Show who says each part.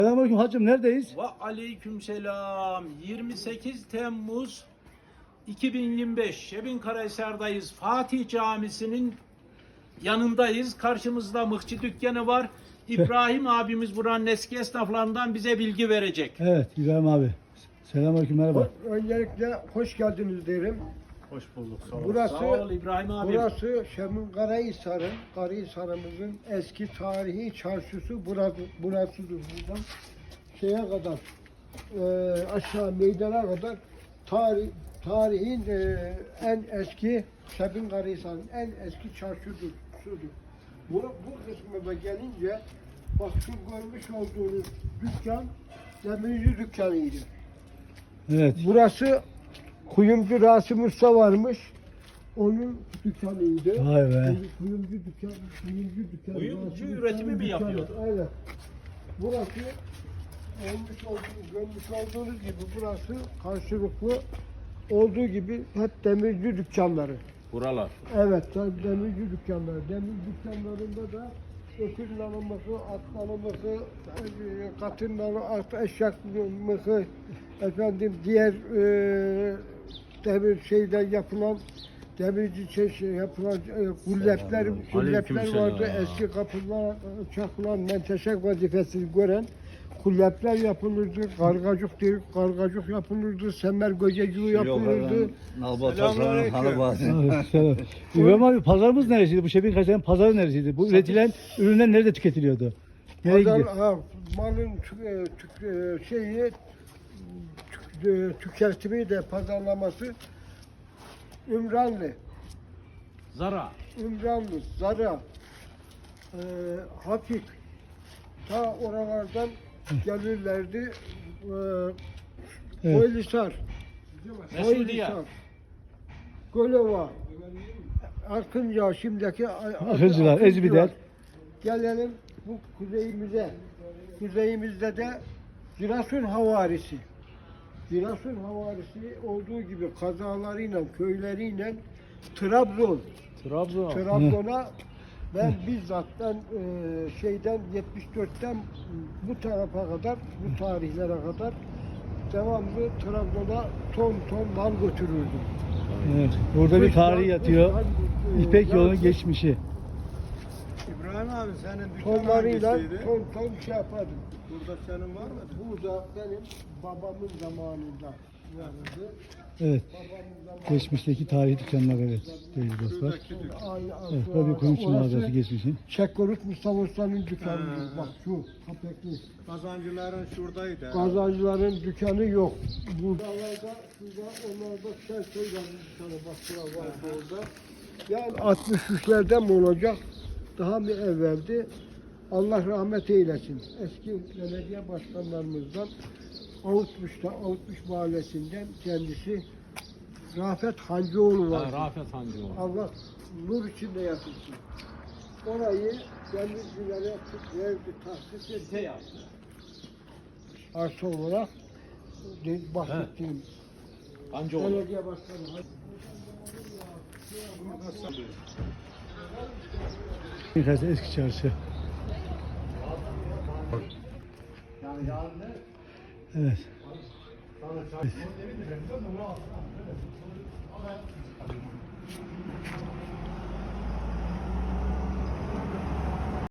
Speaker 1: Selamünaleyküm hacım, neredeyiz?
Speaker 2: Ve aleykümselam. 28 Temmuz 2025 Şebinkarahisar'dayız. Fatih Camisi'nin yanındayız. Karşımızda mıhçı dükkanı var. İbrahim abimiz buranın eski esnaflarından bize bilgi verecek.
Speaker 1: Evet İbrahim abi. Selamünaleyküm, merhaba.
Speaker 3: Öncelikle hoş geldiniz derim.
Speaker 2: Hoş bulduk. Sağ ol.
Speaker 3: Burası,
Speaker 2: Sağ ol İbrahim abi.
Speaker 3: Burası Şebinkarahisar'ın, Karahisar'ımızın eski tarihi çarşısı burasıdır. Buradan şeye kadar, aşağı meydana kadar tarihin en eski Şebinkarahisar'ın en eski çarşıdır. Bu kısmına da gelince bak şu görmüş olduğunuz dükkan demirci dükkanıydı.
Speaker 1: Evet.
Speaker 3: Burası kuyumcu Rasim Usta varmış. Onun dükkanıydı.
Speaker 1: Vay be.
Speaker 3: Kuyumcu dükkan.
Speaker 2: Kuyumcu
Speaker 3: Rasim
Speaker 2: üretimi
Speaker 3: Usta'nın
Speaker 2: mi
Speaker 3: dükkanı.
Speaker 2: yapıyordu?
Speaker 3: Aynen. Burası görmüş olduğunuz gibi burası karşılıklı olduğu gibi hep demirci dükkanları.
Speaker 2: Buralar.
Speaker 3: Evet, tabii demirci dükkanları. Demir dükkanlarında da öküz nalımısı, at nalımısı, katın nalımısı, eşek nalımısı, efendim diğer demir şeyden yapılan demirci yapılan kullepler vardı. Eski kapılar çakılan menteşe vazifesini gören kullepler yapılırdı, kargacık yapılırdı, semer göceciği yapılırdı.
Speaker 4: Nalbatasar'ın hanı bazı.
Speaker 1: Evet, selam. İbrahim abi, pazarımız neresiydi? Bu Şebinkarahisar'ın pazarı neresiydi? Bu üretilen ürünler nerede tüketiliyordu? Nereye gidiyor?
Speaker 3: Malın şeyi tüketimi de pazarlaması Ümranlı, Zara, Hafif, ta oralardan gelirlerdi.
Speaker 1: Evet.
Speaker 3: Koylisar,
Speaker 2: Mesuliye.
Speaker 3: Gölova, Akıncı, şimdiki
Speaker 1: Akıncılar, Ezbiler.
Speaker 3: Gelelim bu kuzeyimize. Kuzeyimizde de Giresun havarisi. Giresun havarisi olduğu gibi kazalarıyla, köyleriyle Trabzon'a ben bizzattan şeyden 74'ten bu tarafa kadar, bu tarihlere kadar devamlı Trabzon'a ton mal götürürdüm.
Speaker 1: Evet. Burada bir tarih yatıyor. İpek yolunun geçmişi.
Speaker 4: İbrahim abi senin dükkanın
Speaker 3: Tonlarıyla
Speaker 4: hangisiydi?
Speaker 3: ton şey yapardım.
Speaker 4: Burada senin var mı?
Speaker 3: Burada benim babamın zamanında vardı.
Speaker 1: Evet.
Speaker 3: Babamın zamanında.
Speaker 1: Geçmişteki tarihi dükkanlar, evet. Değerli dostlar.
Speaker 4: Şuradaki dükkan.
Speaker 1: Evet, burada bir kuyumcu mağazası geçmişin.
Speaker 3: Çekkoruk Mustafa Usta'nın dükkanı. Bak şu kapekli.
Speaker 4: Kazancıların şuradaydı.
Speaker 3: Kazancıların dükkanı yok. Buralarda, onlarda sen söyledin dükkanı. Bak şurada var orada. Yani 63'lerden mi olacak? Daha mı evveldi? Allah rahmet eylesin. Eski belediye başkanlarımızdan Avutmuş Mahallesi'nden kendisi Rafet Hancıoğlu var.
Speaker 2: Rafet Hancıoğlu.
Speaker 3: Allah nur içinde yatırsın. Orayı denizcilere verdi, tahsis etti. Arsa olarak bahsettiğim
Speaker 2: Hancıoğlu.
Speaker 3: belediye başkanı.
Speaker 1: Şebinkarahisar eski çarşı. Evet.